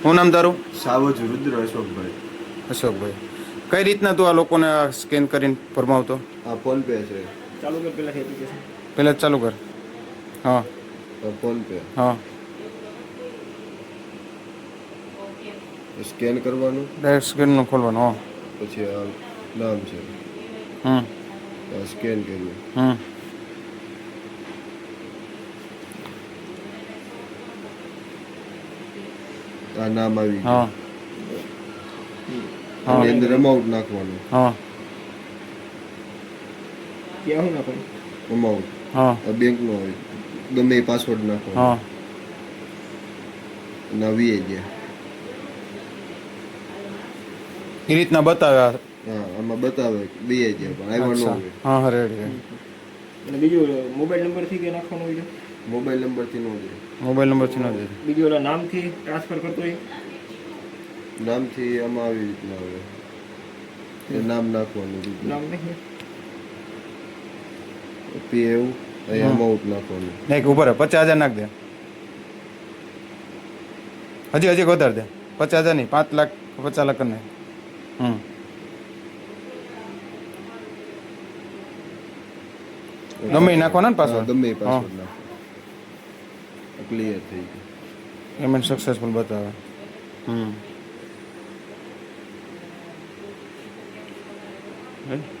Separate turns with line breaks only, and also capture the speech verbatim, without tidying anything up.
શું નામ તારું?
સાવજ રુદ્ર અશોકભાઈ.
અશોકભાઈ, કઈ રીતના તું આ લોકોને સ્કેન કરીને ફરમાવતો?
આ ફોન પે છે.
ચાલુ કર પહેલાં એપ્લિકેશન.
પહેલાં ચાલુ કર. હા
ફોન પે
હા,
સ્કેન કરવાનું,
ડાયરેક્ટ સ્કેનનું ખોલવાનું. હા,
પછી આ નામ છે,
હમ
આ સ્કેન કર્યું.
હમ
આ નામ આવી
હા
ગયું.
હા.
આની અંદર અમાઉન્ટ નાખવાનું.
હા
ક્યાં હું નાખું?
અમાઉન્ટ
હા
આ બેંકનો હોય, ગમે એ પાસવર્ડ નાખવાનો.
હા,
અને આ વીએ ગયા.
એ રીતના બતાવ્યા.
હા, આમાં બતાવે વીએ ગયા પણ આવ્યા ન
અચ્છા,
હોય.
હા હા, રેડી.
અને બીજું મોબાઈલ નંબરથી કે નાખવાનું હોય છે?
મોબાઈલ નંબરથી ન જાય.
મોબાઈલ નંબરથી ન દે.
બીજું ઓલા નામથી ટ્રાન્સફર કરતો હોય?
નામથી આમાં આવી રીતના આવે, એ નામ નાખવાનું.
નામ નહીં
પી એવું અહીંયા અમાઉન્ટ નાખવાનું.
નહીં, ઉપર પચાસ હજાર નાખ દે. હજી હજી વધારે દે. પચાસ હજાર નહીં, પાંચ લાખ પચાસ લાખ કરી નાખ. હમ ગમે એ નાખવાના ને
હા,
પાછળ.
ગમે એ
હા,
પાસવર્ડ નાખો. ક્લિયર થઈ ગયું.
પેમેન્ટ સક્સેસફુલ બતાવે. હમ